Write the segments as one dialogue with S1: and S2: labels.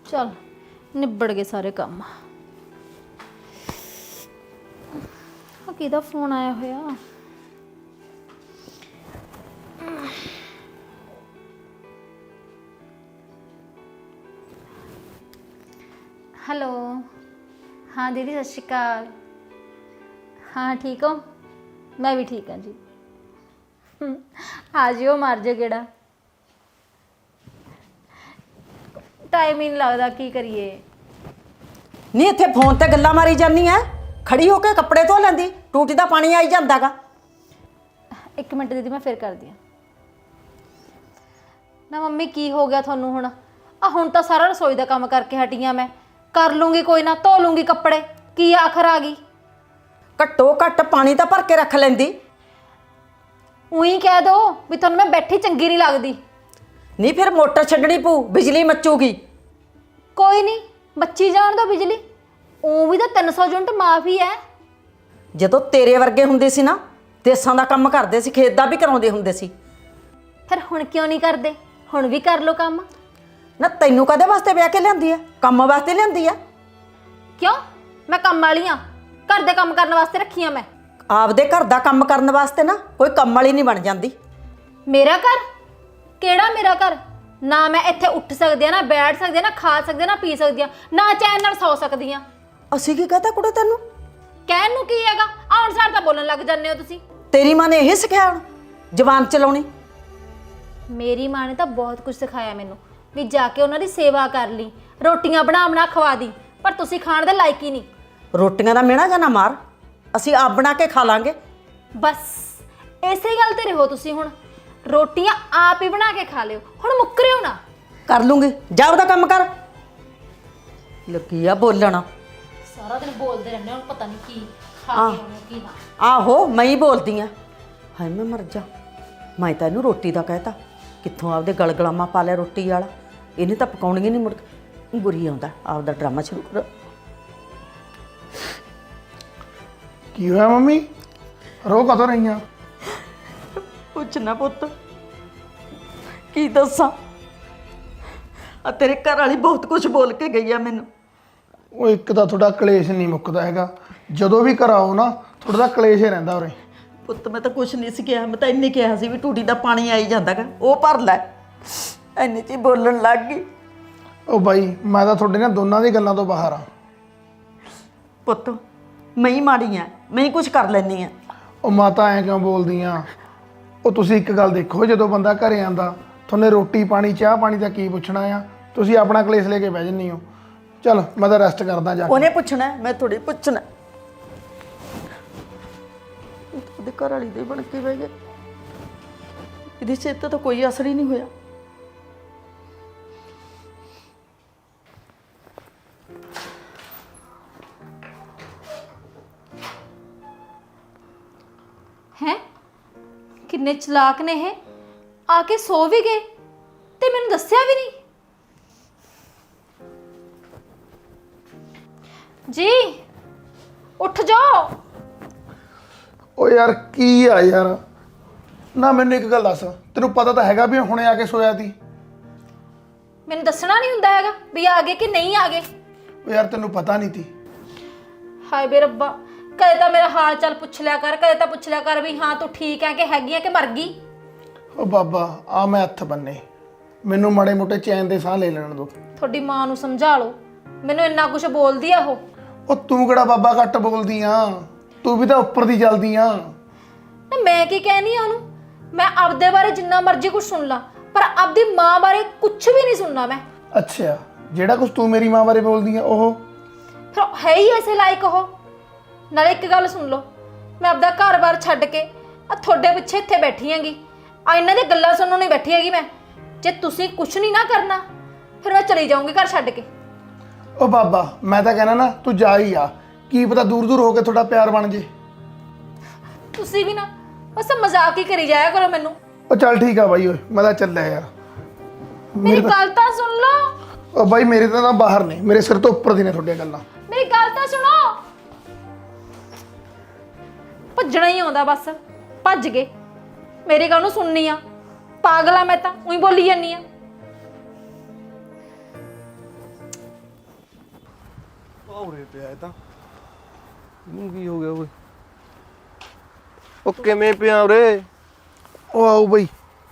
S1: चल निबड़ गए सारे काम। किहदा फोन आया होया? हेलो। हाँ दीदी सत श्री अकाल। हाँ ठीक हो? मैं भी ठीक हाँ जी। आ जियो मार जो गेड़ा। टाइम ही नहीं लगता, की करिए।
S2: नहीं इत्थे फोन ते गल्लां मारी जानी है, खड़ी होके कपड़े धो लैंदी, टूटी दा पानी आई जांदा गा।
S1: एक मिनट दीदी मैं फिर कर दिया ना। मम्मी की हो गया थानू हुण? हुण तां सारा रसोई दा काम करके हटी हाँ, मैं कर लूँगी, कोई ना धो लूँगी कपड़े, की आखर आ गई।
S2: घट्टो घट्ट पानी तां भर के रख लैंदी।
S1: उही कह दो भी थानू मैं बैठी चंगी नहीं लगदी।
S2: नहीं फिर मोटर छड्डनी पू, बिजली मचूगी।
S1: कोई नहीं मच्छी जान दो बिजली, ਉਹ भी तो 300 यूनिट माफी है।
S2: ਜਦੋਂ ਤੇਰੇ ਵਰਗੇ ਹੁੰਦੇ ਸੀ ਨਾ, ਦੇਸਾਂ ਦਾ ਕੰਮ ਕਰਦੇ ਸੀ, ਖੇਤ ਦਾ ਵੀ ਕਰਾਉਂਦੇ ਹੁੰਦੇ ਸੀ।
S1: फिर हुण क्यों नहीं करते? हुण भी कर लो काम।
S2: ਨਾ ਤੈਨੂੰ ਕਦੇ ਵਾਸਤੇ ਵਿਆਹ ਕੇ ਲਿਆਂਦੀ ਆ? ਕੰਮ ਵਾਸਤੇ ਲਿਆਂਦੀ ਆ।
S1: क्यों? मैं काम वाली हाँ, घर दे काम करने वास्ते रखी हाँ मैं।
S2: ਆਪਦੇ ਘਰ ਦਾ ਕੰਮ ਕਰਨ ਵਾਸਤੇ ਨਾ ਕੋਈ ਕੰਮ ਵਾਲੀ ਨਹੀਂ ਬਣ ਜਾਂਦੀ।
S1: मेरा घर? केड़ा मेरा घर? ना मैं इत्थे उठ सकदी हाँ, ना बैठ सकदी हाँ, ना खा सकदी हाँ, ना पी सकदी हाँ, ना चैन नाल सौ सकदी हाँ।
S2: ਅਸੀਂ ਕੀ ਕਹਤਾ ਕੁੜੇ ਤੈਨੂੰ?
S1: कहन नूं की हैगा? आउण सार तां बोलन लग जांदे हो तुसीं।
S2: ਤੇਰੀ ਮਾਂ ਨੇ ਇਹ ਸਿਖਾਇਆ ਹੁਣ ਜ਼ਬਾਨ ਚਲਾਉਣੀ?
S1: मेरी माँ ने तो बहुत कुछ सिखाया मैनू भी जाके उन्हां दी सेवा कर ली, रोटियां बना बना खवा दी, पर तुसीं खाण दे लायक ही नहीं।
S2: ਰੋਟੀਆਂ ਦਾ ਮਿਹਣਾ ਜਾਂ ਨਾ ਮਾਰ, ਅਸੀਂ ਆਪ ਬਣਾ ਕੇ ਖਾ ਲਾਂਗੇ।
S1: बस इसे गल ते रहो तुसीं हुण, रोटियां आप ही बना के खा लियो, हुण मुकरियो ना।
S2: ਕਰ ਲੂੰਗੀ, ਜਾ ਉਹਦਾ ਕੰਮ ਕਰ। ਲੱਗੀ ਆ ਬੋਲਣਾ।
S1: सारा दिन बोलते रहने, हुण पता नहीं की खा
S2: हाँ।
S1: के आउणे की ना।
S2: ਆਹੋ ਮੈਂ ਹੀ ਬੋਲਦੀ ਆ। ਹਾਏ ਮੈਂ ਮਰ ਜਾ, ਮੈਂ ਤਾਂ ਇਹਨੂੰ ਰੋਟੀ ਦਾ ਕਹਿਤਾ, ਕਿੱਥੋਂ ਆਪਦੇ ਗਲਗਲਾਮਾ ਪਾ ਲਿਆ ਰੋਟੀ ਵਾਲਾ। ਇਹਨੇ ਤਾਂ ਪਕਾਉਣੀ ਨਹੀਂ, ਮੁੜ ਕੇ ਗੁਰੀ ਆਉਂਦਾ ਆਪਦਾ ਡਰਾਮਾ ਸ਼ੁਰੂ ਕਰ।
S3: ਕੀ ਹੋਇਆ ਮੰਮੀ? ਰੋ ਕਦੋਂ ਰਹੀਆਂ?
S2: ਪੁੱਛ ਨਾ ਪੁੱਤ, ਕੀ ਦੱਸਾਂ, ਆ ਤੇਰੇ ਘਰ ਵਾਲੀ ਬਹੁਤ ਕੁਝ ਬੋਲ ਕੇ ਗਈ ਆ ਮੈਨੂੰ।
S3: ਉਹ ਇੱਕ ਤਾਂ ਤੁਹਾਡਾ ਕਲੇਸ਼ ਨਹੀਂ ਮੁੱਕਦਾ ਹੈਗਾ, ਜਦੋਂ ਵੀ ਘਰ ਆਓ ਨਾ ਤੁਹਾਡਾ ਤਾਂ ਕਲੇਸ਼ ਹੀ ਰਹਿੰਦਾ ਉਰੇ।
S2: ਪੁੱਤ ਮੈਂ ਤਾਂ ਕੁਛ ਨਹੀਂ ਸੀ ਕਿਹਾ, ਮੈਂ ਤਾਂ ਇੰਨੇ ਕਿਹਾ ਸੀ ਵੀ ਟੂਟੀ ਦਾ ਪਾਣੀ ਆਈ ਜਾਂਦਾਗਾ, ਉਹ ਭਰ ਲੈ। ਇੰਨੇ 'ਚ ਹੀ ਬੋਲਣ ਲੱਗ ਗਈ।
S3: ਉਹ ਬਾਈ ਮੈਂ ਤਾਂ ਤੁਹਾਡੇ ਨਾਲ ਦੋਨਾਂ ਦੀ ਗੱਲਾਂ ਤੋਂ ਬਾਹਰ ਆ।
S2: ਪੁੱਤ ਮੈਂ ਹੀ ਮਾੜੀ ਆ, ਮੈਂ ਹੀ ਕੁਛ ਕਰ ਲੈਂਦੀ ਆ।
S3: ਉਹ ਮਾਤਾ ਐਂ ਕਿਉਂ ਬੋਲਦੀ ਆ? ਉਹ ਤੁਸੀਂ ਇੱਕ ਗੱਲ ਦੇਖੋ, ਜਦੋਂ ਬੰਦਾ ਘਰੇ ਆਂਦਾ ਤੁਹਾਨੂੰ ਰੋਟੀ ਪਾਣੀ ਚਾਹ ਪਾਣੀ ਦਾ ਕੀ ਪੁੱਛਣਾ ਆ, ਤੁਸੀਂ ਆਪਣਾ ਕਲੇਸ਼ ਲੈ ਕੇ ਬਹਿ ਜੰਨੀ ਹੋ। ਚਲ ਮੈਂ ਤਾਂ ਰੈਸਟ ਕਰਦਾ ਜਾ ਕੇ।
S2: ਉਹਨੇ ਪੁੱਛਣਾ, ਮੈਂ ਥੋੜੀ ਪੁੱਛਣਾ। ਉਹਦੇ ਘਰ ਵਾਲੀ ਦੇ ਬਣ ਕੇ ਬਹਿ ਗਏ, ਇਹਦੀ ਸਿਹਤ ਤਾਂ ਕੋਈ ਅਸਰ ਹੀ ਨਹੀਂ ਹੋਇਆ।
S1: हैं किन्ने चलाक ने है, आके सो भी गए ते मैनू दस्सिया भी नहीं। जी उठ जाओ।
S3: ਉਹ ਯਾਰ ਕੀ ਆ ਯਾਰ, ਨਾ ਮੈਨੂੰ ਇੱਕ ਗੱਲ ਦੱਸ, ਤੈਨੂੰ ਪਤਾ ਤਾਂ ਹੈਗਾ ਵੀ ਹੁਣੇ ਆ ਕੇ ਸੋਇਆ ਸੀ।
S1: मैनू दसना नहीं हुंदा हैगा भी आ गए कि नहीं आ गए।
S3: ਉਹ ਯਾਰ ਤੈਨੂੰ ਪਤਾ ਨਹੀਂ ਸੀ।
S1: हाय बे रब्बा, कदे तां मेरा हाल चाल पुछ लिया कर, कदे तां पुछ लिया कर भी हाँ तू ठीक है कि हैगी है कि मर गई।
S3: ਉਹ ਬਾਬਾ ਆ ਮੈਂ ਹੱਥ ਬੰਨੇ, ਮੈਨੂੰ ਮਾੜੇ ਮੋਟੇ ਚੈਨ ਦੇ ਸਾਹ ਲੈ ਲੈਣ ਦੋ।
S1: थोड़ी मां नू समझा लो, मैनू इन्ना कुछ बोलदी आ
S3: ਉਹ ਤੂੰ ਕਿਹੜਾ ਬਾਬਾ ਘੱਟ ਬੋਲਦੀ ਆ, ਤੂੰ ਵੀ ਤਾਂ ਉੱਪਰ ਦੀ ਚੱਲਦੀ ਆ।
S1: ना मैं की कहनी है ओनू, मैं आपदे बारे जिन्ना मर्जी कुछ सुन ला, पर आपदी मां बारे कुछ भी नहीं सुनना मैं।
S3: ਅੱਛਾ ਜਿਹੜਾ ਕੁਝ ਤੂੰ ਮੇਰੀ ਮਾਂ ਬਾਰੇ ਬੋਲਦੀ ਆ ਉਹ
S1: फिर है ही ऐसे लायक हो। नाले एक गल सुन लो, मैं आपदा घर बार छड्ड के आ थोड़े पिछे इत्थे बैठी हैगी, आ इन्हां दी गल्लां सुनन नहीं बैठी हैगी मैं। जे तुसीं कुछ नहीं ना करना फिर मैं चली जाऊंगी घर छड्ड के।
S3: ਉਹ ਬਾਬਾ ਮੈਂ ਤਾਂ ਕਹਿਣਾ ਨਾ ਤੂੰ ਜਾ ਹੀ ਆ, ਕੀ ਪਤਾ ਦੂਰ ਦੂਰ ਹੋ ਕੇ ਤੁਹਾਡਾ ਪਿਆਰ ਬਣ ਜੇ।
S1: तुसीं भी ना बस मजाक ही करी जाया करो मैनू।
S3: ਉਹ ਚੱਲ ਠੀਕ ਆ ਬਾਈ, ਓਏ ਮੈਂ ਤਾਂ ਚੱਲਿਆ ਯਾਰ।
S1: मेरी गल तां सुन लो।
S3: ਉਹ ਬਾਈ ਮੇਰੇ ਤਾਂ ਬਾਹਰ ਨੇ, ਮੇਰੇ ਸਿਰ ਤੋਂ ਉੱਪਰ ਦੀ ਨੇ ਤੁਹਾਡੀਆਂ ਗੱਲਾਂ।
S1: मेरी गल तां सुनो। भज्जना ही आउंदा बस, भज गए। मेरी गल नूं सुननी आ, पागल आ मैं तां, उही बोली जानी आ।
S4: ਔਰੇ ਪਿਆ ਇਹ ਤਾਂ ਇਹਨੂੰ ਕੀ ਹੋ ਗਿਆ ਓਏ ਉਹ ਕਿਵੇਂ ਪਿਆ ਉਰੇ
S3: ਉਹ ਆਓ ਬਈ।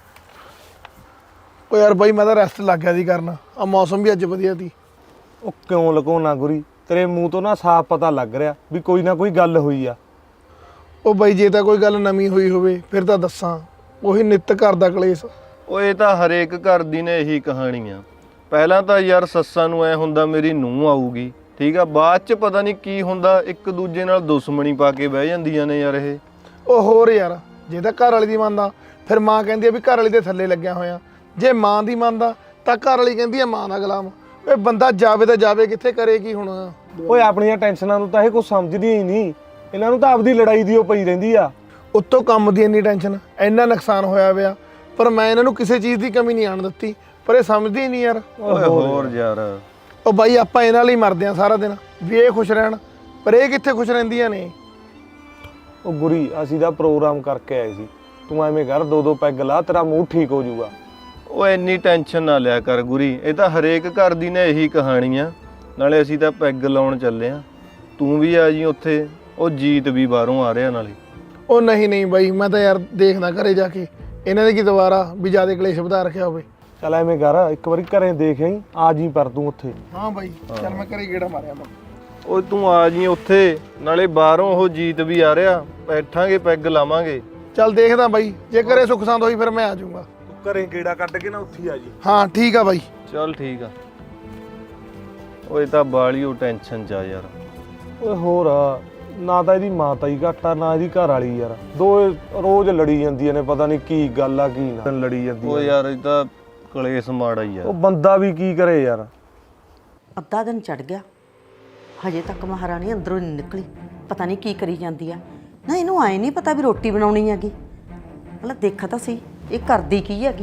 S3: ਉਹ ਯਾਰ ਬਾਈ ਮੈਂ ਤਾਂ ਰੈਸਟ ਲੱਗ ਗਿਆ ਸੀ ਕਰਨ, ਆ ਮੌਸਮ ਵੀ ਅੱਜ ਵਧੀਆ ਸੀ।
S4: ਉਹ ਕਿਉਂ ਲਗਾਉਣਾ ਗੁਰੀ ਤੇਰੇ ਮੂੰਹ ਤੋਂ ਨਾ ਸਾਫ਼ ਪਤਾ ਲੱਗ ਰਿਹਾ ਵੀ ਕੋਈ ਨਾ ਕੋਈ ਗੱਲ ਹੋਈ ਆ
S3: ਉਹ ਬਾਈ ਜੇ ਤਾਂ ਕੋਈ ਗੱਲ ਨਵੀਂ ਹੋਈ ਹੋਵੇ ਫਿਰ ਤਾਂ ਦੱਸਾਂ, ਉਹੀ ਨਿੱਤ ਘਰ ਦਾ ਕਲੇਸ਼।
S5: ਓਏ ਤਾਂ ਹਰੇਕ ਘਰ ਦੀ ਨੇ ਇਹੀ ਕਹਾਣੀ ਆ। ਪਹਿਲਾਂ ਤਾਂ ਯਾਰ ਸੱਸਾਂ ਨੂੰ ਐ ਹੁੰਦਾ ਮੇਰੀ ਨੂੰਹ ਆਊਗੀ, ਠੀਕ ਆ, ਬਾਅਦ ਚ ਪਤਾ ਨਹੀਂ ਕੀ ਹੁੰਦਾ, ਇੱਕ ਦੂਜੇ ਨਾਲ ਦੁਸ਼ਮਣੀ ਪਾ ਕੇ ਬਹਿ ਜਾਂਦੀਆਂ ਨੇ ਯਾਰ ਇਹ।
S3: ਉਹ ਹੋਰ ਯਾਰ, ਜੇ ਤਾਂ ਘਰ ਵਾਲੀ ਦੀ ਮੰਨਦਾ ਫਿਰ ਮਾਂ ਕਹਿੰਦੀ ਆ ਵੀ ਘਰ ਵਾਲੀ ਦੇ ਥੱਲੇ ਲੱਗਿਆ ਹੋਇਆ, ਜੇ ਮਾਂ ਦੀ ਮੰਨਦਾ ਤਾਂ ਘਰ ਵਾਲੀ ਕਹਿੰਦੀ ਆ ਮਾਂ ਦਾ ਗੁਲਾਮ। ਓਏ ਬੰਦਾ ਜਾਵੇ ਤਾਂ ਜਾਵੇ ਕਿੱਥੇ, ਕਰੇ ਕੀ ਹੁਣ।
S4: ਓਏ ਆਪਣੀਆਂ ਟੈਨਸ਼ਨਾਂ ਨੂੰ ਤਾਂ ਇਹ ਕੁਝ ਸਮਝਦੀਆਂ ਹੀ ਨਹੀਂ, ਇਹਨਾਂ ਨੂੰ ਤਾਂ ਆਪਦੀ ਲੜਾਈ ਦੀ ਉਹ ਪਈ ਰਹਿੰਦੀ ਆ।
S3: ਉੱਤੋਂ ਕੰਮ ਦੀ ਇੰਨੀ ਟੈਨਸ਼ਨ, ਇੰਨਾ ਨੁਕਸਾਨ ਹੋਇਆ ਪਿਆ, ਪਰ ਮੈਂ ਇਹਨਾਂ ਨੂੰ ਕਿਸੇ ਚੀਜ਼ ਦੀ ਕਮੀ ਨਹੀਂ ਆਣ ਦਿੱਤੀ, ਪਰ ਇਹ ਸਮਝਦੇ ਹੀ ਨਹੀਂ ਯਾਰ।
S5: ਓਏ ਹੋਰ ਯਾਰ,
S3: ਉਹ ਬਾਈ ਆਪਾਂ ਇਹਨਾਂ ਲਈ ਮਰਦੇ ਆ ਸਾਰਾ ਦਿਨ ਵੀ ਇਹ ਖੁਸ਼ ਰਹਿਣ, ਪਰ ਇਹ ਕਿੱਥੇ ਖੁਸ਼ ਰਹਿੰਦੀਆਂ ਨੇ।
S4: ਉਹ ਗੁਰੀ ਅਸੀਂ ਦਾ ਪ੍ਰੋਗਰਾਮ ਕਰਕੇ ਆਏ ਸੀ, ਤੂੰ ਐਵੇਂ ਕਰ ਦੋ ਦੋ ਪੈਗ ਲਾ, ਤੇਰਾ ਮੂੰਹ ਠੀਕ ਹੋ ਜਾਊਗਾ।
S5: ਓਏ ਇੰਨੀ ਟੈਨਸ਼ਨ ਨਾ ਲਿਆ ਕਰ ਗੁਰੀ, ਇਹ ਤਾਂ ਹਰੇਕ ਘਰ ਦੀ ਨੇ ਇਹੀ ਕਹਾਣੀ ਆ। ਨਾਲੇ ਅਸੀਂ ਤਾਂ ਪੈਗ ਲਾਉਣ ਚੱਲੇ ਆ, ਤੂੰ ਵੀ ਆ ਜੀ ਉੱਥੇ, ਉਹ ਜੀਤ ਵੀ ਬਾਹਰੋਂ ਆ ਰਿਹਾ ਨਾਲੇ।
S3: ਉਹ ਨਹੀਂ ਨਹੀਂ ਬਾਈ, ਮੈਂ ਤਾਂ ਯਾਰ ਦੇਖਦਾ ਘਰੇ ਜਾ ਕੇ ਇਹਨਾਂ ਦੇ ਕੀ ਦੁਬਾਰਾ ਵੀ ਜ਼ਿਆਦਾ ਕਲੇਸ਼ ਵਧਾ ਰੱਖਿਆ ਹੋਵੇ।
S4: ਚੱਲ ਐਵੇਂ ਕਰ ਇੱਕ ਵਾਰੀ ਘਰੇ ਦੇਖ ਆਈ, ਆ ਜੀ ਪਰ ਤੂੰ ਉੱਥੇ।
S3: ਹਾਂ ਬਾਈ ਚੱਲ ਮੈਂ ਘਰੇ ਗੇੜਾ ਮਾਰਿਆ ਮੈਂ।
S5: ਓਏ ਤੂੰ ਆ ਜੀ ਉੱਥੇ, ਨਾਲੇ ਬਾਹਰੋਂ ਉਹ ਜੀਤ ਵੀ ਆ ਰਿਹਾ, ਬੈਠਾਂਗੇ ਪੈਗ ਲਾਵਾਂਗੇ।
S3: ਚੱਲ ਦੇਖਦਾ ਬਾਈ, ਜੇ ਘਰੇ ਸੁੱਖ ਸੰਦ ਹੋਈ ਫਿਰ ਮੈਂ ਆ ਜਾਊਂਗਾ।
S4: ਤੂੰ ਘਰੇ ਗੇੜਾ ਕੱਢ ਕੇ ਨਾ ਉੱਥੇ ਆ ਜੀ।
S3: ਹਾਂ ਠੀਕ ਆ ਬਾਈ।
S5: ਚੱਲ ਠੀਕ ਆ। ਓਏ ਤਾਂ ਬਾਲੀ ਉਹ ਟੈਨਸ਼ਨ ਚ ਆ ਯਾਰ।
S4: ਓਏ ਹੋਰ ਨਾ ਤਾਂ ਇਹਦੀ ਮਾਤਾ ਹੀ ਘੱਟ ਆ, ਨਾ ਇਹਦੀ ਘਰ ਵਾਲੀ ਯਾਰ, ਦੋ ਰੋਜ਼ ਲੜੀ ਜਾਂਦੀਆਂ ਨੇ, ਪਤਾ ਨਹੀਂ ਕੀ ਗੱਲ ਆ ਕੀ ਨਾ ਲੜੀ ਜਾਂਦੀ
S5: ਓ ਯਾਰ ਇਹ ਤਾਂ ਕਲੇਸ਼ ਮਾੜਾ ਹੀ ਆ।
S4: ਉਹ ਬੰਦਾ ਵੀ ਕੀ ਕਰੇ ਯਾਰ।
S2: ਅੱਧਾ ਦਿਨ ਚੜ ਗਿਆ, ਹਜੇ ਤੱਕ ਮਹਾਰਾਣੀ ਅੰਦਰੋਂ ਨਹੀਂ ਨਿਕਲੀ, ਪਤਾ ਨਹੀਂ ਕੀ ਕਰੀ ਜਾਂਦੀ ਆ। ਨਾ ਇਹਨੂੰ ਆਏ ਨਹੀਂ ਪਤਾ ਵੀ ਰੋਟੀ ਬਣਾਉਣੀ ਹੈਗੀ, ਮਤਲਬ ਦੇਖਾ ਤਾਂ ਸੀ ਇਹ ਕਰਦੀ ਕੀ ਹੈਗੀ।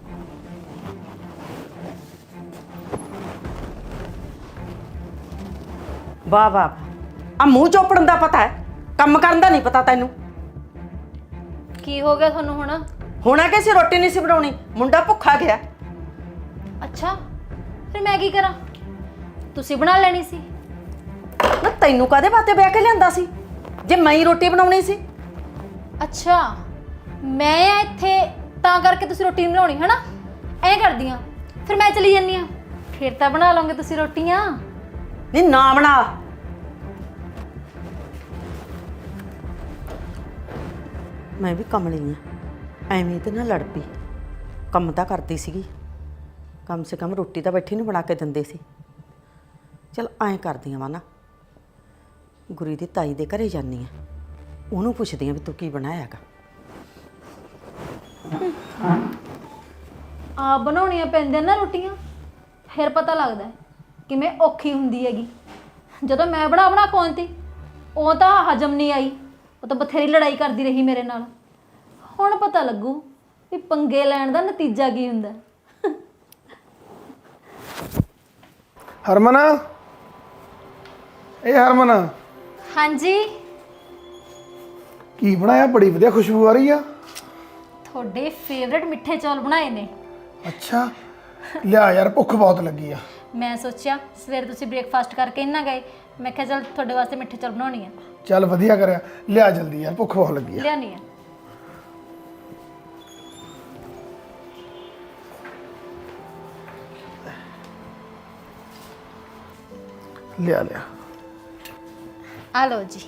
S2: ਵਾਹ ਵਾਹ, ਆ ਮੂੰਹ ਚੋਪੜਨ ਦਾ ਪਤਾ ਹੈ, ਕੰਮ ਕਰਨ ਦਾ ਨਹੀਂ ਪਤਾ ਤੈਨੂੰ।
S1: ਕੀ ਹੋ ਗਿਆ ਤੁਹਾਨੂੰ ਹੁਣ?
S2: ਹੋਣਾ ਕਿ ਸੀ ਰੋਟੀ ਨਹੀਂ ਸੀ ਬਣਾਉਣੀ, ਮੁੰਡਾ ਭੁੱਖਾ ਗਿਆ।
S1: ਅੱਛਾ, ਫਿਰ ਮੈਂ ਕੀ ਕਰਾਂ? ਤੁਸੀਂ ਬਣਾ ਲੈਣੀ ਸੀ।
S2: ਨਾ ਤੈਨੂੰ ਕਾਹਦੇ ਵਾਸਤੇ ਵਿਆਹ ਕੇ ਲਿਆਂਦਾ ਸੀ ਜੇ ਮੈਂ ਹੀ ਰੋਟੀ ਬਣਾਉਣੀ ਸੀ?
S1: ਅੱਛਾ, ਮੈਂ ਆ ਇੱਥੇ ਤਾਂ ਕਰਕੇ ਤੁਸੀਂ ਰੋਟੀ ਨਹੀਂ ਬਣਾਉਣੀ ਹੈ ਨਾ? ਐਂ ਕਰਦੀ ਆ, ਫਿਰ ਮੈਂ ਚਲੀ ਜਾਂਦੀ ਆ, ਫਿਰ ਤਾਂ ਬਣਾ ਲਓਗੇ ਤੁਸੀਂ ਰੋਟੀਆਂ।
S2: ਨਹੀਂ ਨਾ ਬਣਾ। ਮੈਂ ਵੀ ਕਮਲੀ ਆ, ਐਵੇਂ ਤੇ ਨਾ ਲੜ ਪਈ। ਕੰਮ ਤਾਂ ਕਰਦੀ ਸੀਗੀ, ਕਮ ਸੇ ਕਮ ਰੋਟੀ ਤਾਂ ਬੈਠੀ ਨੂੰ ਬਣਾ ਕੇ ਦਿੰਦੇ ਸੀ। ਚਲ ਐਂ ਕਰਦੀ ਆ ਨਾ, ਗੁਰੀ ਦੀ ਤਾਈ ਦੇ ਘਰੇ ਜਾਂਦੀ ਆ, ਉਹਨੂੰ ਪੁੱਛਦੀ ਆ ਵੀ ਤੂੰ ਕੀ ਬਣਾਇਆਗਾ।
S1: ਆ ਬਣਾਉਣੀਆਂ ਪੈਂਦੀਆਂ ਨਾ ਰੋਟੀਆਂ, ਫਿਰ ਪਤਾ ਲੱਗਦਾ ਕਿਵੇਂ ਔਖੀ ਹੁੰਦੀ ਹੈਗੀ। ਜਦੋਂ ਮੈਂ ਬਣਾ ਖਵਾਉਂਦੀ, ਉਹ ਤਾਂ ਹਜਮ ਨਹੀਂ ਆਈ, ਉਹ ਤਾਂ ਬਥੇਰੀ ਲੜਾਈ ਕਰਦੀ ਰਹੀ ਮੇਰੇ ਨਾਲ। ਹੁਣ ਪਤਾ ਲੱਗੂ ਵੀ ਪੰਗੇ ਲੈਣ ਦਾ ਨਤੀਜਾ ਕੀ ਹੁੰਦਾ।
S3: ਹਰਮਨ, ਇਹ ਹਰਮਨ
S1: ਹਾਂਜੀ,
S3: ਕੀ ਬਣਾਇਆ? ਬੜੀ ਵਧੀਆ ਖੁਸ਼ਬੂ ਆ ਰਹੀ ਆ।
S1: ਤੁਹਾਡੇ ਫੇਵਰੇਟ ਮਿੱਠੇ ਚੌਲ ਬਣਾਏ ਨੇ।
S3: ਅੱਛਾ ਲਿਆ ਯਾਰ, ਭੁੱਖ ਬਹੁਤ ਲੱਗੀ ਆ।
S1: ਮੈਂ ਸੋਚਿਆ ਸਵੇਰੇ ਤੁਸੀਂ ਬ੍ਰੇਕਫਾਸਟ ਕਰਕੇ ਇੰਨਾ ਗਏ, ਮੈਂ ਕਿਹਾ ਚੱਲ ਤੁਹਾਡੇ ਵਾਸਤੇ ਮਿੱਠੇ ਚੌਲ ਬਣਾਉਣੀ ਆ।
S3: ਚੱਲ ਵਧੀਆ ਕਰਿਆ, ਲਿਆ ਜਲਦੀ ਯਾਰ, ਭੁੱਖ ਬਹੁਤ ਲੱਗੀ ਆ।
S1: ਲਿਆਉਣੀ ਆ।
S3: ਲਿਆ ਲਿਆ।
S1: ਆ ਲਓ ਜੀ।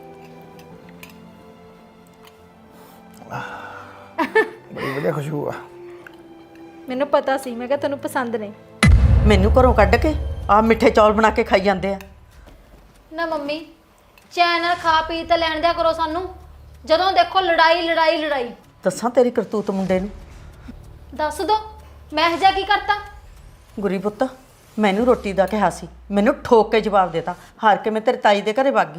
S3: ਬੜੀ ਵਧੀਆ ਖੁਸ਼ਬੂ ਆ।
S1: ਮੈਨੂੰ ਪਤਾ ਸੀ, ਮੈਂ ਕਿਹਾ ਤੁਹਾਨੂੰ ਪਸੰਦ ਨੇ।
S2: ਮੈਨੂੰ ਘਰੋਂ ਕੱਢ ਕੇ ਆ ਮਿੱਠੇ ਚੌਲ ਬਣਾ ਕੇ ਖਾਈ ਜਾਂਦੇ ਆ।
S1: ਨਾ ਮੰਮੀ, ਚੈਨ ਨਾਲ ਖਾ ਪੀ ਤਾਂ ਲੈਣ ਦਿਆ ਕਰੋ ਸਾਨੂੰ, ਜਦੋਂ ਦੇਖੋ ਲੜਾਈ ਲੜਾਈ ਲੜਾਈ।
S2: ਦੱਸਾਂ ਤੇਰੀ ਕਰਤੂਤ ਮੁੰਡੇ ਨੂੰ?
S1: ਦੱਸ ਦੋ, ਮੈਂ ਇਹ ਜਿਹਾ ਕੀ ਕਰਤਾ?
S2: ਗੁਰੀ ਪੁੱਤ, ਮੈਨੂੰ ਰੋਟੀ ਦਾ ਕਿਹਾ ਸੀ, ਮੈਨੂੰ ਠੋਕ ਕੇ ਜਵਾਬ ਦੇਤਾ, ਹਾਰ ਕੇ ਮੈਂ ਤੇਰੇ ਤਾਈ ਦੇ ਘਰੇ ਵਗ ਗਈ।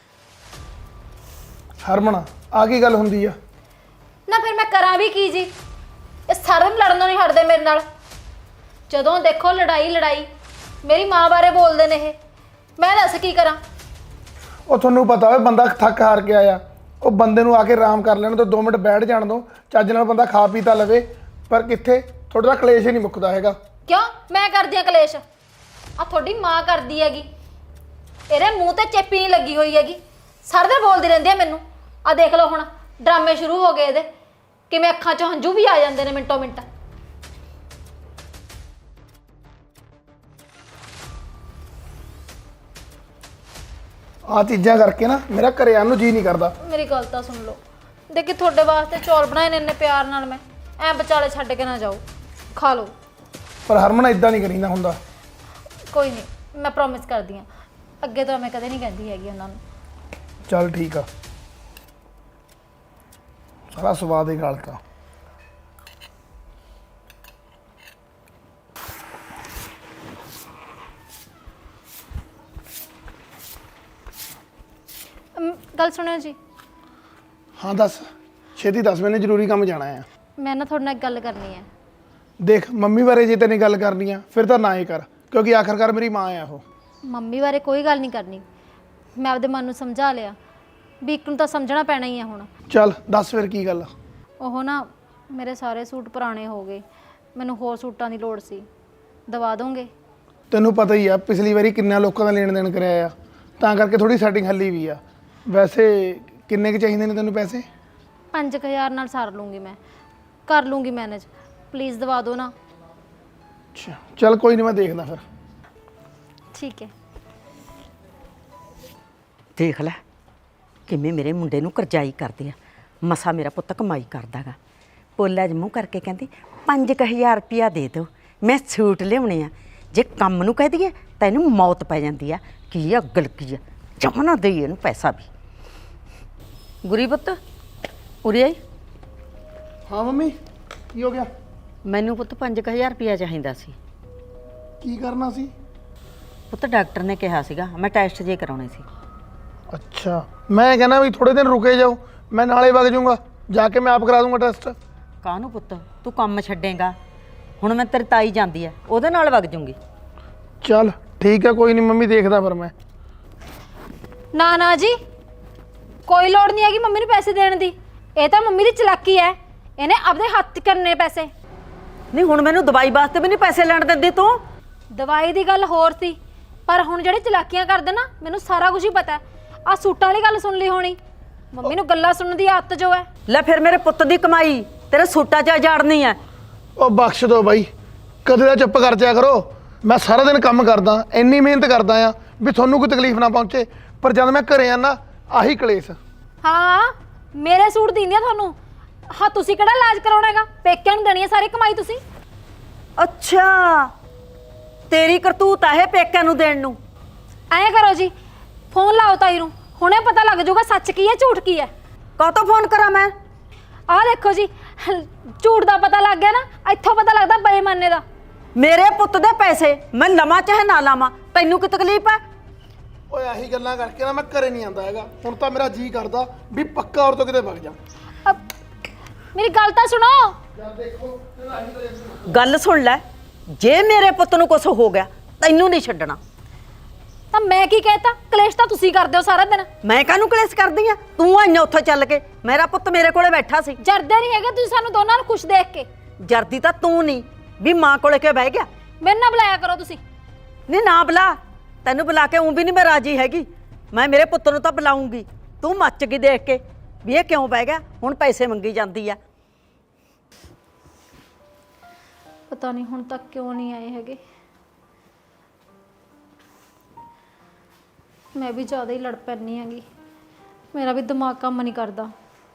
S3: ਹਰਮਨ ਆ ਕੀ ਗੱਲ ਹੁੰਦੀ ਆ?
S1: ਨਾ ਫਿਰ ਮੈਂ ਕਰਾਂ ਵੀ ਕੀ ਜੀ? ਇਹ ਸਾਰਿਆਂ ਨੂੰ ਲੜਨੋਂ ਨਹੀਂ ਹਟਦੇ ਮੇਰੇ ਨਾਲ, ਜਦੋਂ ਦੇਖੋ ਲੜਾਈ ਲੜਾਈ। ਮੇਰੀ ਮਾਂ ਬਾਰੇ ਬੋਲਦੇ ਨੇ ਇਹ, ਮੈਂ ਦੱਸ ਕੀ ਕਰਾਂ?
S3: ਉਹ ਤੁਹਾਨੂੰ ਪਤਾ ਹੋਵੇ ਬੰਦਾ ਥੱਕ ਹਾਰ ਕੇ ਆਇਆ, ਉਹ ਬੰਦੇ ਨੂੰ ਆ ਕੇ ਆਰਾਮ ਕਰ ਲੈਣ ਤੋਂ 2 ਮਿੰਟ ਬੈਠ ਜਾਣ ਦੋ, ਚੱਜ ਨਾਲ ਬੰਦਾ ਖਾ ਪੀ ਤਾਂ ਲਵੇ। ਪਰ ਕਿੱਥੇ, ਤੁਹਾਡਾ ਕਲੇਸ਼ ਹੀ ਨਹੀਂ ਮੁੱਕਦਾ ਹੈਗਾ।
S1: ਕਿਉਂ ਮੈਂ ਕਰਦੀ ਆ ਕਲੇਸ਼? ਆ ਤੁਹਾਡੀ ਮਾਂ ਕਰਦੀ ਹੈਗੀ। ਇਹਦੇ ਮੂੰਹ ਤੇ ਚੇਪੀ ਨਹੀਂ ਲੱਗੀ ਹੋਈ ਹੈਗੀ, ਸਾਰਾ ਦਿਨ ਬੋਲਦੀ ਰਹਿੰਦੀ ਆ ਮੈਨੂੰ। ਆ ਦੇਖ ਲਓ ਹੁਣ ਡਰਾਮੇ ਸ਼ੁਰੂ ਹੋ ਗਏ ਇਹਦੇ, ਕਿਵੇਂ ਅੱਖਾਂ 'ਚੋਂ ਹੰਝੂ ਵੀ ਆ ਜਾਂਦੇ ਨੇ ਮਿੰਟੋ ਮਿੰਟ।
S3: ਆ ਚੀਜ਼ਾਂ ਕਰਕੇ ਨਾ ਮੇਰਾ ਘਰੇ ਆਉਣ ਨੂੰ ਜੀ ਨਹੀਂ ਕਰਦਾ।
S1: ਮੇਰੀ ਗੱਲ ਤਾਂ ਸੁਣ ਲਓ, ਦੇਖੀ ਤੁਹਾਡੇ ਵਾਸਤੇ ਚੌਲ ਬਣਾਏ ਨੇ ਇੰਨੇ ਪਿਆਰ ਨਾਲ, ਮੈਂ ਐ ਵਿਚਾਲੇ ਛੱਡ ਕੇ ਨਾ ਜਾਓ, ਖਾ ਲਓ।
S3: ਪਰ ਹਰਮਨ ਇਦਾਂ ਨਹੀਂ ਕਰੀਦਾ ਹੁੰਦਾ।
S1: ਕੋਈ ਨਹੀਂ, ਮੈਂ ਪ੍ਰੋਮਿਸ ਕਰਦੀ ਆ, ਅੱਗੇ ਤੋਂ ਮੈਂ ਕਦੇ ਨਹੀਂ ਕਹਿੰਦੀ ਹੈਗੀ ਉਹਨਾਂ ਨੂੰ।
S3: ਚੱਲ ਠੀਕ ਆ, ਸਾਰਾ ਸਵਾਦ ਹੀ ਗਾਲਤਾ।
S1: ਗੱਲ ਸੁਣਿਓ ਜੀ।
S3: ਹਾਂ ਦੱਸ, ਛੇਤੀ ਦੱਸ, ਮੈਨੇ ਜ਼ਰੂਰੀ ਕੰਮ ਜਾਣਾ ਆ।
S1: ਮੈਂ ਨਾ ਤੁਹਾਡੇ ਨਾਲ ਇੱਕ ਗੱਲ ਕਰਨੀ ਹੈ।
S3: ਦੇਖ ਮੰਮੀ ਬਾਰੇ ਜੇ ਤੈਨੇ ਗੱਲ ਕਰਨੀ ਆ ਫਿਰ ਤਾਂ ਨਾ ਹੀ ਕਰ, ਕਿਉਂਕਿ ਆਖਰਕਾਰ ਮੇਰੀ ਮਾਂ ਆ ਉਹ।
S1: ਮੰਮੀ ਬਾਰੇ ਕੋਈ ਗੱਲ ਨਹੀਂ ਕਰਨੀ, ਮੈਂ ਆਪਦੇ ਮਨ ਨੂੰ ਸਮਝਾ ਲਿਆ ਵੀ ਇੱਕ ਨੂੰ ਤਾਂ ਸਮਝਣਾ ਪੈਣਾ ਹੀ ਹੈ ਹੁਣ।
S3: ਚੱਲ ਦੱਸ ਫਿਰ ਕੀ ਗੱਲ ਆ।
S1: ਉਹ ਨਾ ਮੇਰੇ ਸਾਰੇ ਸੂਟ ਪੁਰਾਣੇ ਹੋ ਗਏ, ਮੈਨੂੰ ਹੋਰ ਸੂਟਾਂ ਦੀ ਲੋੜ ਸੀ, ਦਵਾ ਦੋਗੇ?
S3: ਤੈਨੂੰ ਪਤਾ ਹੀ ਆ ਪਿਛਲੀ ਵਾਰੀ ਕਿੰਨਾ ਲੋਕਾਂ ਦਾ ਲੈਣ ਦੇਣ ਕਰਿਆ ਆ, ਤਾਂ ਕਰਕੇ ਥੋੜੀ ਸੈਟਿੰਗ ਹੱਲੀ ਵੀ ਆ। ਵੈਸੇ ਕਿੰਨੇ ਕੁ ਚਾਹੀਦੇ ਨੇ ਤੈਨੂੰ ਪੈਸੇ?
S1: 5000 ਨਾਲ ਸਾਰ ਲੂੰਗੀ, ਮੈਂ ਕਰ ਲੂੰਗੀ ਮੈਨੇਜ, ਪਲੀਜ਼ ਦਵਾ ਦਿਓ ਨਾ।
S3: ਅੱਛਾ ਚੱਲ ਕੋਈ ਨਹੀਂ, ਮੈਂ ਦੇਖਦਾ ਫਿਰ।
S1: ਠੀਕ ਹੈ।
S2: ਦੇਖ ਲੈ ਕਿਵੇਂ ਮੇਰੇ ਮੁੰਡੇ ਨੂੰ ਕਰਜ਼ਾਈ ਕਰਦੇ ਆ। ਮਸਾ ਮੇਰਾ ਪੁੱਤ ਕਮਾਈ ਕਰਦਾਗਾ, ਪੋਲਾ ਜਿਹਾ ਮੂੰਹ ਕਰਕੇ ਕਹਿੰਦੀ 5000 ਰੁਪਇਆ ਦੇ ਦਿਓ, ਮੈਂ ਸੂਟ ਲਿਆਉਣੇ ਆ। ਜੇ ਕੰਮ ਨੂੰ ਕਹਿ ਦਈਏ ਤਾਂ ਇਹਨੂੰ ਮੌਤ ਪੈ ਜਾਂਦੀ ਆ। ਕੀ ਆ ਅਗਲ ਕੀ ਆ, ਜਮਾ ਨਾ ਦੇਈਏ ਇਹਨੂੰ ਪੈਸਾ ਵੀ। ਗੁਰੀ ਪੁੱਤ ਉਰੇ ਆਈ।
S3: ਹਾਂ ਮੰਮੀ, ਕੀ ਹੋ ਗਿਆ?
S2: ਮੈਨੂੰ ਪੁੱਤ 5000 ਰੁਪਇਆ ਚਾਹੀਦਾ ਸੀ।
S3: ਕੀ ਕਰਨਾ ਸੀ?
S2: ਪੁੱਤ ਡਾਕਟਰ ਨੇ ਕਿਹਾ ਸੀਗਾ ਮੈਂ ਟੈਸਟ ਜੇ ਕਰਾਉਣੇ ਸੀ।
S3: ਅੱਛਾ, ਮੈਂ ਕਹਿੰਦਾ ਵੀ ਥੋੜੇ ਦਿਨ ਰੁਕੇ ਜਾਓ, ਮੈਂ ਨਾਲੇ ਵਗ ਜਾਊਂਗਾ, ਜਾ ਕੇ ਮੈਂ ਆਪ ਕਰਾ ਦੂੰਗਾ ਟੈਸਟ।
S2: ਕਾਹਨੂੰ ਪੁੱਤ, ਤੂੰ ਕੰਮ ਛੱਡੇਗਾ? ਹੁਣ ਮੈਂ ਤੇਰੀ ਤਾਈ ਜਾਂਦੀ ਆ, ਉਹਦੇ ਨਾਲ ਵਗ ਜੂੰਗੀ।
S3: ਚੱਲ ਠੀਕ ਹੈ, ਕੋਈ ਨਹੀਂ ਮੰਮੀ, ਦੇਖਦਾ ਫਿਰ ਮੈਂ।
S1: ਨਾ ਨਾ ਜੀ, ਕੋਈ ਲੋੜ ਨਹੀਂ ਹੈਗੀ ਮੰਮੀ ਨੂੰ ਪੈਸੇ ਦੇਣ ਦੀ, ਇਹ ਤਾਂ ਮੰਮੀ ਦੀ ਚਲਾਕੀ ਹੈ, ਇਹਨੇ ਆਪਦੇ ਹੱਥ ਕਰਨੇ ਪੈਸੇ।
S2: ਨਹੀਂ ਹੁਣ ਮੈਨੂੰ ਦਵਾਈ ਵਾਸਤੇ ਵੀ ਨਹੀਂ ਪੈਸੇ ਲੈਣ ਦਿੰਦੀ ਤੂੰ।
S1: ਦਵਾਈ ਦੀ ਗੱਲ ਹੋਰ ਸੀ, ਪਰ ਹੁਣ ਜਿਹੜੇ ਚਲਾਕੀਆਂ ਕਰਦੇ ਨਾ, ਮੈਨੂੰ ਸਾਰਾ ਕੁਝ ਹੀ ਪਤਾ। ਆ ਸੂਟਾਂ ਵਾਲੀ ਗੱਲ ਸੁਣ ਲਈ ਹੋਣੀ, ਮੰਮੀ ਨੂੰ ਗੱਲਾਂ ਸੁਣਨ ਦੀ ਆਦਤ ਜੋ ਹੈ।
S2: ਲੈ ਫਿਰ ਮੇਰੇ ਪੁੱਤ ਦੀ ਕਮਾਈ ਤੇਰੇ ਸੂਟਾਂ 'ਚ ਜਾੜਨੀ ਹੈ।
S3: ਉਹ ਬਖਸ਼ ਦੋ ਬਾਈ, ਕਦੇ ਦਾ ਚੁੱਪ ਕਰ ਜਾਇਆ ਕਰੋ। ਮੈਂ ਸਾਰਾ ਦਿਨ ਕੰਮ ਕਰਦਾ, ਇੰਨੀ ਮਿਹਨਤ ਕਰਦਾ ਆ ਵੀ ਤੁਹਾਨੂੰ ਕੋਈ ਤਕਲੀਫ ਨਾ ਪਹੁੰਚੇ, ਪਰ ਜਦ ਮੈਂ ਘਰੇ ਆਣਾ ਆਹੀ ਕਲੇਸ਼।
S1: ਹਾਂ ਮੇਰੇ ਸੂਟ ਦਿੰਦੀਆਂ ਤੁਹਾਨੂੰ, ਹਾਂ ਤੁਸੀਂ ਕਿਹੜਾ ਇਲਾਜ ਕਰਾਉਣਾ ਹੈਗਾ, ਪੇਕਿਆਂ ਨੂੰ ਦੇਣੀ ਹੈ ਸਾਰੀ ਕਮਾਈ ਤੁਸੀਂ।
S2: ਅੱਛਾ ਤੇਰੀ ਕਰਤੂਤ ਆ ਇਹ ਪੇਕਿਆਂ ਨੂੰ ਦੇਣ ਨੂੰ।
S1: ਐਂ ਕਰੋ ਜੀ, ਫੋਨ ਲਾਓ ਤਾਈ ਨੂੰ, ਹੁਣੇ ਪਤਾ ਲੱਗ ਜਾਊਗਾ ਸੱਚ ਕੀ ਹੈ ਝੂਠ ਕੀ ਹੈ।
S2: ਕਾਹਤੋਂ ਫੋਨ ਕਰਾਂ ਮੈਂ?
S1: ਆਹ ਦੇਖੋ ਜੀ, ਝੂਠ ਦਾ ਪਤਾ ਲੱਗ ਗਿਆ ਨਾ, ਇੱਥੋਂ ਪਤਾ ਲੱਗਦਾ ਬੇਈਮਾਨੇ ਦਾ।
S2: ਮੇਰੇ ਪੁੱਤ ਦੇ ਪੈਸੇ ਮੈਂ ਲਵਾਂ ਚਾਹੇ ਨਾ ਲਾਵਾਂ, ਤੈਨੂੰ ਕੀ ਤਕਲੀਫ ਹੈ?
S3: ਓਏ ਆਹੀ ਗੱਲਾਂ ਕਰਕੇ ਨਾ ਮੈਂ ਘਰੇ ਨਹੀਂ ਆਂਦਾ ਹੈਗਾ। ਹੁਣ ਤਾਂ ਮੇਰਾ ਜੀ ਕਰਦਾ ਵੀ ਪੱਕਾ ਔਰ ਤੋਂ ਕਿਤੇ ਵਗ ਜਾ।
S1: ਮੇਰੀ ਗੱਲ ਤਾਂ ਸੁਣੋ।
S2: ਗੱਲ ਸੁਣ ਲੈ, ਜੇ ਮੇਰੇ ਪੁੱਤ ਨੂੰ ਕੁਝ ਹੋ ਗਿਆ ਤੈਨੂੰ ਨਹੀਂ ਛੱਡਣਾ।
S1: ਤਾਂ ਮੈਂ ਕੀ ਕਹਿਤਾ, ਕਲੇਸ਼ ਤਾਂ ਤੁਸੀਂ ਕਰਦੇ ਹੋ ਸਾਰਾ ਦਿਨ।
S2: ਮੈਂ ਕਾਹਨੂੰ ਕਲੇਸ਼ ਕਰਦੀ ਆ? ਤੂੰ ਆਈਆਂ ਉੱਥੋਂ ਚੱਲ ਕੇ, ਮੇਰਾ ਪੁੱਤ ਮੇਰੇ ਕੋਲੇ ਬੈਠਾ ਸੀ।
S1: ਜਰਦੇ ਨਹੀਂ ਹੈਗੇ ਤੁਸੀਂ ਸਾਨੂੰ ਦੋਨਾਂ ਨੂੰ ਖੁਸ਼ ਦੇਖ ਕੇ।
S2: ਜਰਦੀ ਤਾਂ ਤੂੰ ਨਹੀਂ ਵੀ ਮਾਂ ਕੋਲੇ ਕਿਉਂ ਬਹਿ ਗਿਆ।
S1: ਮੈਨੂੰ ਨਾ ਬੁਲਾਇਆ ਕਰੋ ਤੁਸੀਂ।
S2: ਨਹੀਂ ਨਾ ਬੁਲਾ, ਤੈਨੂੰ ਬੁਲਾ ਕੇ ਵੀ ਨਹੀਂ ਮੈਂ ਰਾਜੀ ਹੈਗੀ। ਮੈਂ ਮੇਰੇ ਪੁੱਤ ਨੂੰ ਤਾਂ ਬੁਲਾਉਂਗੀ। ਤੂੰ ਮੱਚ ਗਈ ਦੇਖ ਕੇ ਵੀ ਇਹ ਕਿਉਂ ਬਹਿ ਗਿਆ, ਹੁਣ ਪੈਸੇ ਮੰਗੀ ਜਾਂਦੀ ਆ।
S1: ਪਤਾ ਨਹੀਂ ਹੁਣ ਤੱਕ ਕਿਉਂ ਨਹੀਂ ਆਏ ਹੈਗੇ। ਮੈਂ ਵੀ ਜ਼ਿਆਦਾ ਹੀ ਲੜ ਪੈਂਦੀ ਹੈਗੀ, ਮੇਰਾ ਵੀ ਦਿਮਾਗ ਕੰਮ ਨਹੀਂ ਕਰਦਾ।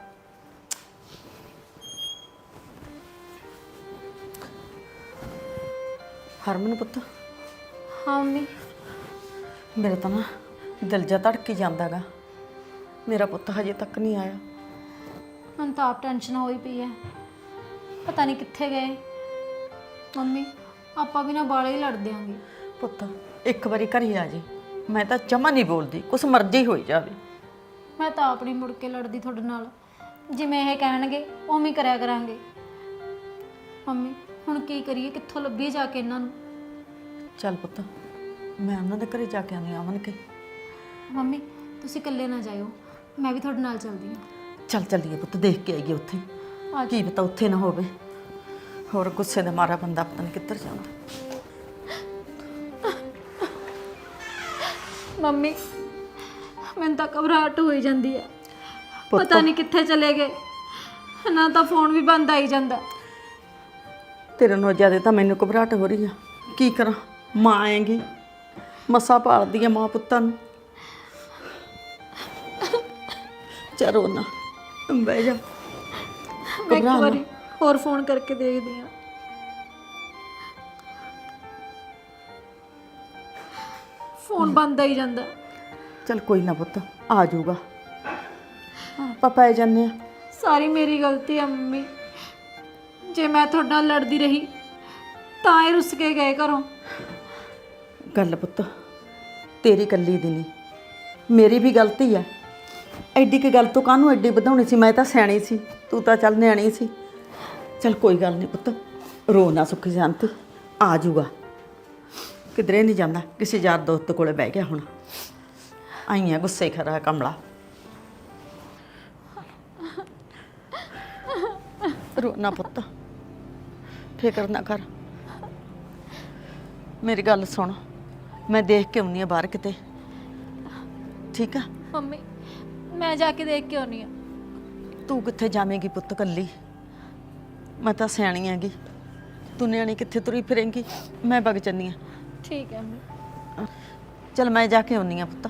S2: ਹਰਮਨ ਪੁੱਤ।
S1: ਹਾਂ ਮੰਮੀ।
S2: ਮੇਰੇ ਤਾਂ ਨਾ ਦਿਲ ਜਾ ਧੜਕੀ ਜਾਂਦਾਗਾ, ਮੇਰਾ ਪੁੱਤ ਹਜੇ ਤੱਕ ਨਹੀਂ ਆਇਆ।
S1: ਮੈਨੂੰ ਤਾਂ ਆਪ ਟੈਨਸ਼ਨ ਹੋਈ ਪਈ ਹੈ, ਪਤਾ ਨਹੀਂ ਕਿੱਥੇ ਗਏ। ਮੰਮੀ ਆਪਾਂ ਵੀ ਨਾ ਬਾਲੇ ਹੀ ਲੜ ਦਿਆਂਗੇ।
S2: ਪੁੱਤ ਇੱਕ ਵਾਰੀ ਘਰੇ ਆ ਜੀ, ਮੈਂ ਤਾਂ ਜਮਾ ਨਹੀਂ ਬੋਲਦੀ, ਕੁਛ ਮਰਜ਼ੀ ਹੋਈ ਜਾਵੇ।
S1: ਮੈਂ ਤਾਂ ਆਪ ਨਹੀਂ ਮੁੜ ਕੇ ਲੜਦੀ ਤੁਹਾਡੇ ਨਾਲ, ਜਿਵੇਂ ਇਹ ਕਹਿਣਗੇ ਉਵੇਂ ਹੀ ਕਰਿਆ ਕਰਾਂਗੇ। ਮੰਮੀ ਹੁਣ ਕੀ ਕਰੀਏ, ਕਿੱਥੋਂ ਲੱਭੀਏ ਜਾ ਕੇ ਇਹਨਾਂ ਨੂੰ।
S2: ਚੱਲ ਪੁੱਤ ਮੈਂ ਉਹਨਾਂ ਦੇ ਘਰੇ ਜਾ ਕੇ ਆਉਂਦੀ ਅਮਨ ਕੇ।
S1: ਮੰਮੀ ਤੁਸੀਂ ਇਕੱਲੇ ਨਾ ਜਾਇਓ, ਮੈਂ ਵੀ ਤੁਹਾਡੇ ਨਾਲ ਚੱਲਦੀ ਹਾਂ।
S2: ਚੱਲ ਚੱਲੀਏ ਪੁੱਤ, ਦੇਖ ਕੇ ਆਈਏ ਉੱਥੇ,
S1: ਆ
S2: ਕੀ ਪਤਾ ਉੱਥੇ ਨਾ ਹੋਵੇ। ਹੋਰ ਗੁੱਸੇ ਦਾ ਮਾਰਾ ਬੰਦਾ ਪਤਾ ਨਹੀਂ ਕਿੱਧਰ ਜਾਂਦਾ।
S1: ਮੰਮੀ ਮੈਨੂੰ ਤਾਂ ਘਬਰਾਹਟ ਹੋਈ ਜਾਂਦੀ ਹੈ। ਪਤਾ ਨਹੀਂ ਕਿੱਥੇ ਚਲੇ ਗਏ, ਨਾ ਤਾਂ ਫੋਨ ਵੀ ਬੰਦ ਆਈ ਜਾਂਦਾ।
S2: ਤੇਰੇ ਨਾਲ ਜ਼ਿਆਦਾ ਤਾਂ ਮੈਨੂੰ ਘਬਰਾਹਟ ਹੋ ਰਹੀ ਆ। ਕੀ ਕਰਾਂ, ਮਾਂ ਆਏਗੀ, ਮਸਾਂ ਪਾਲਦੀ ਆ ਮਾਂ ਪੁੱਤਾਂ ਨੂੰ। ਚਲੋ ਨਾ, ਬਹਿ ਜਾ।
S1: ਮੈਂ ਇੱਕ ਵਾਰੀ ਹੋਰ ਫੋਨ ਕਰਕੇ ਦੇਖਦੀ ਹਾਂ। ਫੋਨ ਬੰਦ ਆਈ ਜਾਂਦਾ।
S2: ਚਲ ਕੋਈ ਨਾ ਪੁੱਤ, ਆ ਜਾਊਗਾ। ਆਪਾਂ ਪੈ ਜਾਂਦੇ ਆ।
S1: ਸਾਰੀ ਮੇਰੀ ਗਲਤੀ ਹੈ ਮੰਮੀ। ਜੇ ਮੈਂ ਤੁਹਾਡੇ ਨਾਲ ਲੜਦੀ ਰਹੀ ਤਾਂ ਇਹ ਰੁੱਸ ਕੇ ਗਏ ਘਰੋਂ।
S2: ਗੱਲ ਪੁੱਤ ਤੇਰੀ ਇਕੱਲੀ ਦੀ ਨਹੀਂ, ਮੇਰੀ ਵੀ ਗਲਤੀ ਆ। ਐਡੀ ਕੀ ਗੱਲ ਤੋਂ ਕਾਹਨੂੰ ਐਡੀ ਵਧਾਉਣੀ ਸੀ? ਮੈਂ ਤਾਂ ਸਿਆਣੀ ਸੀ, ਤੂੰ ਤਾਂ ਚੱਲ ਨਿਆਣੀ ਸੀ। ਚਲ ਕੋਈ ਗੱਲ ਨਹੀਂ ਪੁੱਤ, ਰੋ ਨਾ, ਸੁੱਖੀ ਸ਼ਾਂਤੀ ਆ ਜਾਊਗਾ। ਕਿਧਰੇ ਨਹੀਂ ਜਾਂਦਾ, ਕਿਸੇ ਯਾਰ ਦੋਸਤ ਕੋਲੇ ਬਹਿ ਗਿਆ ਹੁਣ। ਆਈਆਂ ਗੁੱਸੇ ਖਰਾ ਕਮਲਾ। ਰੋ ਨਾ ਪੁੱਤ, ਫਿਕਰ ਨਾ ਕਰ। ਮੇਰੀ ਗੱਲ ਸੁਣ, ਮੈਂ ਦੇਖ ਕੇ ਆਉਂਦੀ ਆ ਬਾਹਰ ਕਿਤੇ, ਠੀਕ ਆ?
S1: ਮੰਮੀ ਮੈਂ ਜਾ ਕੇ ਦੇਖ ਕੇ ਆਉਣੀ ਆ।
S2: ਤੂੰ ਕਿੱਥੇ ਜਾਵੇਂਗੀ ਪੁੱਤ ਕੱਲੀ? ਮੈਂ ਤਾਂ ਸਿਆਣੀ ਆਂਗੀ, ਤੂੰ ਨਿਆਣੀ ਕਿੱਥੇ ਤੁਰੀ ਫਿਰੇਂਗੀ? ਮੈਂ ਵਗ ਚੱਲੀ ਆ।
S1: ਠੀਕ ਹੈ ਮੰਮੀ।
S2: ਚਲ ਮੈਂ ਜਾ ਕੇ ਆਉਂਦੀ ਆ ਪੁੱਤ।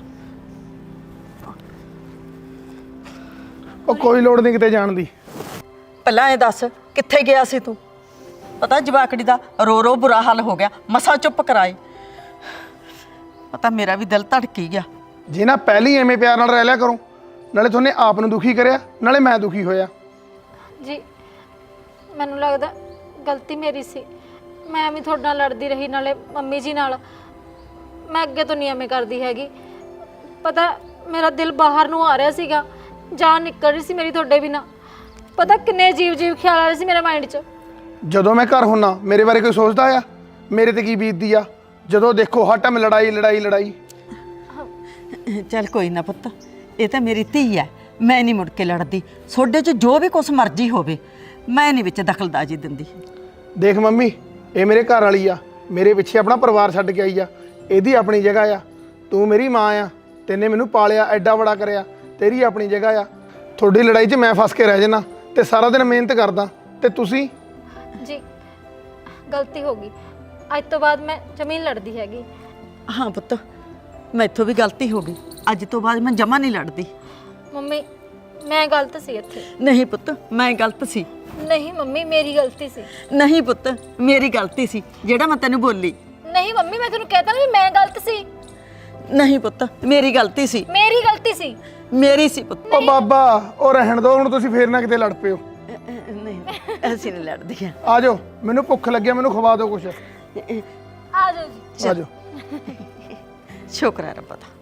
S3: ਉਹ ਕੋਈ ਲੋੜ ਨਹੀਂ ਕਿਤੇ ਜਾਣ ਦੀ।
S2: ਪਹਿਲਾਂ ਇਹ ਦੱਸ ਕਿੱਥੇ ਗਿਆ ਸੀ ਤੂੰ? ਪਤਾ ਜਵਾਕੜੀ ਦਾ ਰੋ ਰੋ ਬੁਰਾ ਹਾਲ ਹੋ ਗਿਆ, ਮਸਾਂ ਚੁੱਪ ਕਰਾਏ। ਪਤਾ ਮੇਰਾ ਵੀ ਦਿਲ ਧੜਕੀ ਗਿਆ।
S3: ਜੇ ਨਾ ਪਹਿਲੀ ਐਵੇਂ ਪਿਆਰ ਨਾਲ ਰਹਿ ਲਿਆ ਕਰੋ, ਨਾਲੇ ਤੁਹਾਨੇ ਆਪ ਨੂੰ ਦੁਖੀ ਕਰਿਆ, ਨਾਲੇ ਮੈਂ ਦੁਖੀ ਹੋਇਆ।
S1: ਜੀ ਮੈਨੂੰ ਲੱਗਦਾ ਗਲਤੀ ਮੇਰੀ ਸੀ। ਮੈਂ ਵੀ ਤੁਹਾਡੇ ਨਾਲ ਲੜਦੀ ਰਹੀ, ਨਾਲੇ ਮੰਮੀ ਜੀ ਨਾਲ। ਮੈਂ ਅੱਗੇ ਤੋਂ ਨਹੀਂ ਐਵੇਂ ਕਰਦੀ ਹੈਗੀ। ਪਤਾ ਮੇਰਾ ਦਿਲ ਬਾਹਰ ਨੂੰ ਆ ਰਿਹਾ ਸੀਗਾ, ਜਾਨ ਨਿਕਲ ਰਹੀ ਸੀ ਮੇਰੀ ਤੁਹਾਡੇ ਬਿਨਾਂ। ਪਤਾ ਕਿੰਨੇ ਅਜੀਬ ਖਿਆਲ ਆ ਰਹੇ ਸੀ ਮੇਰੇ ਮਾਈਂਡ 'ਚ।
S3: ਜਦੋਂ ਮੈਂ ਘਰ ਹੁੰਨਾ ਮੇਰੇ ਬਾਰੇ ਕੋਈ ਸੋਚਦਾ ਆ? ਮੇਰੇ ਤੇ ਕੀ ਬੀਤਦੀ ਆ? ਜਦੋਂ ਦੇਖੋ ਹਰ ਟਾਈਮ ਲੜਾਈ ਲੜਾਈ ਲੜਾਈ।
S2: ਚੱਲ ਕੋਈ ਨਾ ਪੁੱਤ, ਇਹ ਤਾਂ ਮੇਰੀ ਧੀ ਹੈ, ਮੈਂ ਨਹੀਂ ਮੁੜ ਕੇ ਲੜਦੀ। ਤੁਹਾਡੇ 'ਚ ਜੋ ਵੀ ਕੁਛ ਮਰਜ਼ੀ ਹੋਵੇ, ਮੈਂ ਨਹੀਂ ਵਿੱਚ ਦਖਲਅੰਦਾਜ਼ੀ ਦਿੰਦੀ।
S3: ਦੇਖ ਮੰਮੀ, ਇਹ ਮੇਰੇ ਘਰ ਵਾਲੀ ਆ, ਮੇਰੇ ਪਿੱਛੇ ਆਪਣਾ ਪਰਿਵਾਰ ਛੱਡ ਕੇ ਆਈ ਆ। ਇਹਦੀ ਆਪਣੀ ਜਗ੍ਹਾ ਆ। ਤੂੰ ਮੇਰੀ ਮਾਂ ਆ, ਤੈਨੇ ਮੈਨੂੰ ਪਾਲਿਆ, ਐਡਾ ਬੜਾ ਕਰਿਆ, ਤੇਰੀ ਆਪਣੀ ਜਗ੍ਹਾ ਆ। ਤੁਹਾਡੀ ਲੜਾਈ 'ਚ ਮੈਂ ਫਸ ਕੇ ਰਹਿ ਜਾਣਾ ਤੇ ਸਾਰਾ ਦਿਨ ਮਿਹਨਤ ਕਰਦਾ, ਤੇ ਤੁਸੀਂ?
S1: ਜੀ ਗਲਤੀ ਹੋ ਗਈ, ਅੱਜ ਤੋਂ ਬਾਅਦ ਮੈਂ ਜ਼ਮੀਨ ਲੜਦੀ ਹੈਗੀ।
S2: ਹਾਂ ਪੁੱਤ, ਮੈਥੋਂ ਵੀ ਗਲਤੀ ਹੋ ਗਈ। ਅੱਜ ਤੋਂ ਬਾਅਦ ਮੈਂ ਜਮਾ ਨਹੀਂ ਲੜਦੀ।
S1: ਮੰਮੀ ਮੈਂ ਗਲਤ ਸੀ ਇੱਥੇ।
S2: ਨਹੀਂ ਪੁੱਤ, ਮੈਂ ਗਲਤ ਸੀ।
S1: ਨਹੀਂ ਮੰਮੀ ਮੇਰੀ ਗਲਤੀ ਸੀ।
S2: ਨਹੀਂ ਪੁੱਤ, ਮੇਰੀ ਗਲਤੀ ਸੀ ਜਿਹੜਾ ਮੈਂ ਤੈਨੂੰ ਬੋਲੀ।
S1: ਨਹੀਂ ਮੰਮੀ ਮੈਂ ਤੈਨੂੰ ਕਹਿਤਾ ਨਾ ਵੀ ਮੈਂ ਗਲਤ ਸੀ।
S2: ਨਹੀਂ ਪੁੱਤ, ਮੇਰੀ ਗਲਤੀ ਸੀ।
S1: ਮੇਰੀ ਗਲਤੀ ਸੀ।
S2: ਮੇਰੀ ਸੀ ਪੁੱਤ।
S3: ਉਹ ਬਾਬਾ, ਉਹ ਰਹਿਣ ਦੋ ਹੁਣ, ਤੁਸੀਂ ਫੇਰ ਨਾ ਕਿਤੇ ਲੜ ਪਿਓ।
S2: ਨਹੀਂ, ਅਸੀਂ ਨਹੀਂ ਲੜਦੀਆਂ।
S3: ਆ ਜਾਓ, ਮੈਨੂੰ ਭੁੱਖ ਲੱਗਿਆ, ਮੈਨੂੰ ਖਵਾ ਦਿਓ ਕੁਛ।
S1: ਆ ਜਾਓ ਜੀ।
S3: ਆ ਜਾਓ।
S2: ਸ਼ੁਕਰ ਹੈ ਰੱਬਾ ਦਾ।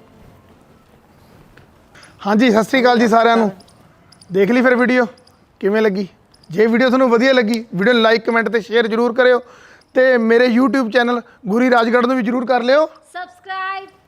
S3: ਹਾਂਜੀ, ਸਤਿ ਸ੍ਰੀ ਅਕਾਲ ਜੀ ਸਾਰਿਆਂ ਨੂੰ। ਦੇਖ ਲਈ ਫਿਰ ਵੀਡੀਓ ਕਿਵੇਂ ਲੱਗੀ? ਜੇ ਵੀਡੀਓ ਤੁਹਾਨੂੰ ਵਧੀਆ ਲੱਗੀ, ਵੀਡੀਓ ਨੂੰ ਲਾਈਕ ਕਮੈਂਟ ਤੇ ਸ਼ੇਅਰ ਜ਼ਰੂਰ ਕਰਿਓ, ਤੇ ਮੇਰੇ YouTube ਚੈਨਲ ਗੁਰੀ ਰਾਜਗੜ੍ਹ ਨੂੰ ਵੀ ਜ਼ਰੂਰ ਕਰ ਲਿਓ
S1: ਸਬਸਕ੍ਰਾਈਬ।